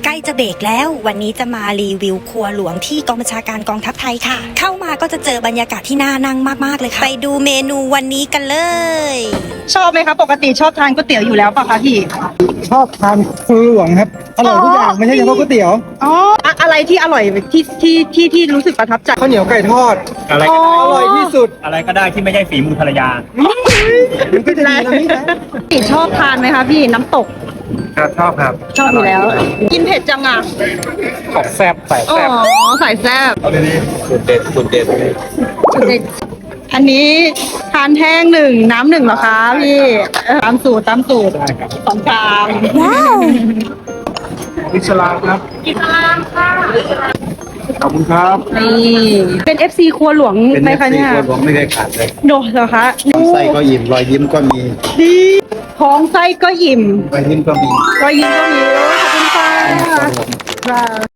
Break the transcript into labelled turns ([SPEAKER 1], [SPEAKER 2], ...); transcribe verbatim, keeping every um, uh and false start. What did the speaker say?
[SPEAKER 1] ล้จะเบรกแล้ววันนี้จะมารีวิวครัวหลวงที่กองบัญชาการกองทัพไทยค่ะเข้ามาก็จะเจอบรรยากาศที่น่านั่งมากๆเลยค่ะไปดูเมนูวันนี้กันเลย
[SPEAKER 2] ชอบไหมคะปกติชอบทานก๋วยเตี๋ยวอยู่แล้วป่ะคะพี่
[SPEAKER 3] ชอบทานครัวหลวงครับอร่อยทุกอย่างไม่ใช่เฉพาะก๋วยเตี๋ยว
[SPEAKER 2] อ๋ออะอะไรที่อร่อยที่ที่ที่ที่รู้สึกประทับใจ
[SPEAKER 3] ข้าวเหนียวไก่ทอด
[SPEAKER 4] อะไร
[SPEAKER 2] อ๋
[SPEAKER 4] ก็
[SPEAKER 2] อ
[SPEAKER 4] ได้
[SPEAKER 3] อร่อยที่สุด
[SPEAKER 4] อะไรก็ได้ที่ไม่ใช่ฝีมือภรรยา
[SPEAKER 3] มันก็จะดีนะพี่นะ
[SPEAKER 2] พี่ชอบทานไหมคะพี่น้ำตก
[SPEAKER 4] ครับชอบครับ
[SPEAKER 2] ชอบอยู่แล้ว กินเผ็ดจังอ่ะ
[SPEAKER 4] ขอบแซ่บใส่
[SPEAKER 2] อ๋อ
[SPEAKER 4] แซ่บ
[SPEAKER 2] ใส่แซ่บ
[SPEAKER 4] เอาดีๆสุดเด็ดสุดเด็ด
[SPEAKER 2] อันนี้ทานแห้งหนึ่งน้ำหนึ่งเหรอคะพี่เออตามสูตรตามสูตร
[SPEAKER 4] ได้ครับ
[SPEAKER 2] สองกลาง
[SPEAKER 1] ว้าว
[SPEAKER 4] อิสลามครับ
[SPEAKER 2] กินลามค่ะ
[SPEAKER 4] ขอบคุณครับ
[SPEAKER 2] นี่เป็น เอฟ ซี ครัวหลวง
[SPEAKER 4] เป็น
[SPEAKER 2] ไหม
[SPEAKER 4] เอฟ
[SPEAKER 2] คะ
[SPEAKER 4] ซี
[SPEAKER 2] เนี่ย
[SPEAKER 4] คนผมไม่เคยขาดเลย
[SPEAKER 2] โดดเหรอคะ
[SPEAKER 4] ลำไส้ก็อิ่มรอยยิ้มก็มี
[SPEAKER 2] ดีท้องไส้ก็อิ่ม
[SPEAKER 4] รอยยิ้มก็มี
[SPEAKER 2] รอยยิ้มก็มีขอบคุณค่ะ
[SPEAKER 4] ครับผม
[SPEAKER 2] ค่ะ